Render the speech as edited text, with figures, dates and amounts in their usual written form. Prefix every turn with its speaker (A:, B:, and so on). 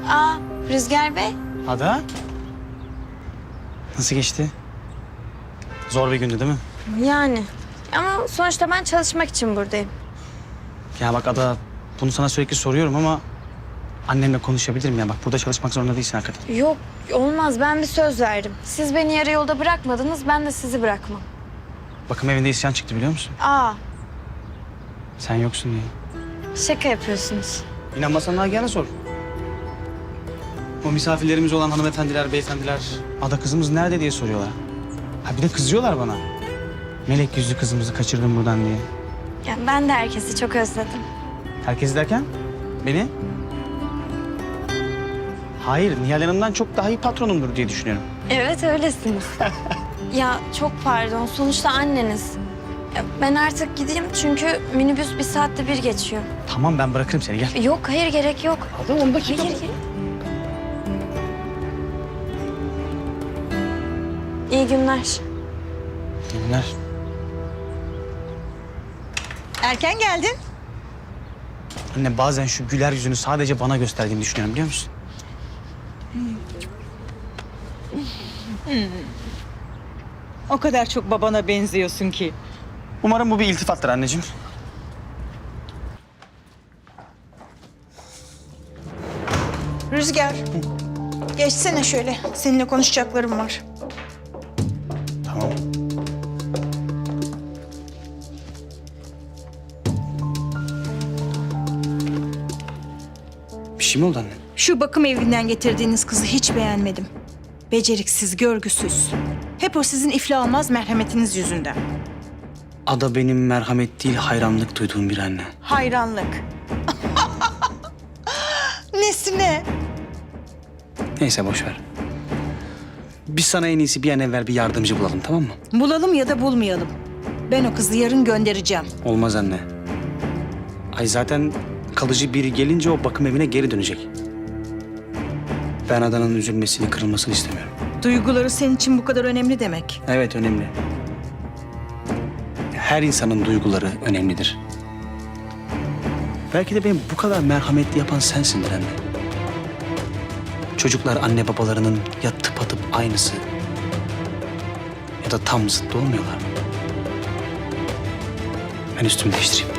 A: Aa, Rüzgar Bey.
B: Ada. Nasıl geçti? Zor bir gündü değil mi?
A: Yani. Ama sonuçta ben çalışmak için buradayım.
B: Ya bak Ada, bunu sana sürekli soruyorum ama annenle konuşabilirim ya. Bak burada çalışmak zorunda değilsin hakikaten.
A: Yok, olmaz. Ben bir söz verdim. Siz beni yarı yolda bırakmadınız, ben de sizi bırakmam.
B: Bakım evinde isyan çıktı biliyor musun?
A: Aa,
B: Sen yoksun diye.
A: şaka yapıyorsunuz.
B: İnanmasan Nagihan'a sor. O misafirlerimiz olan hanımefendiler, beyefendiler, Ada kızımız nerede diye soruyorlar. Ha bir de kızıyorlar bana. Melek yüzlü kızımızı kaçırdım buradan diye.
A: Ya ben de herkesi çok özledim.
B: Herkes derken? Beni? Hayır, Nihal Hanım'dan çok daha iyi patronumdur diye düşünüyorum.
A: Evet, öylesiniz. Ya çok pardon, sonuçta anneniz. Ya ben artık gideyim çünkü minibüs 1 saatte bir geçiyor.
B: Tamam ben bırakırım seni gel.
A: Yok, hayır gerek yok.
B: Ada 10 dakika.
A: Hayır. İyi günler.
B: İyi günler.
C: Erken geldin.
B: Anne bazen şu güler yüzünü sadece bana gösterdiğini düşünüyorum biliyor musun?
C: O kadar çok babana benziyorsun ki.
B: Umarım bu bir iltifattır anneciğim.
D: Rüzgar, geçsene şöyle. Seninle konuşacaklarım var.
B: Tamam. Bir şey mi oldu anne?
D: Şu bakım evinden getirdiğiniz kızı hiç beğenmedim. Beceriksiz, görgüsüz. Hep o sizin iflah olmaz merhametiniz yüzünden.
B: Ada benim merhamet değil hayranlık duyduğum bir anne.
D: Hayranlık. Nesine?
B: Neyse boş ver. Biz sana en iyisi bir an evvel bir yardımcı bulalım tamam mı?
D: Bulalım ya da bulmayalım. Ben o kızı yarın göndereceğim.
B: Olmaz anne. Ay zaten kalıcı biri gelince o bakım evine geri dönecek. Ben Adana'nın üzülmesini, kırılmasını istemiyorum.
D: Duyguları senin için bu kadar önemli demek.
B: Evet önemli. Her insanın duyguları önemlidir. Belki de beni bu kadar merhametli yapan sensindir anne. Çocuklar anne babalarının ya tıpatıp aynısı ya da tam zıttı olmuyorlar. Ben üstümü değiştireyim.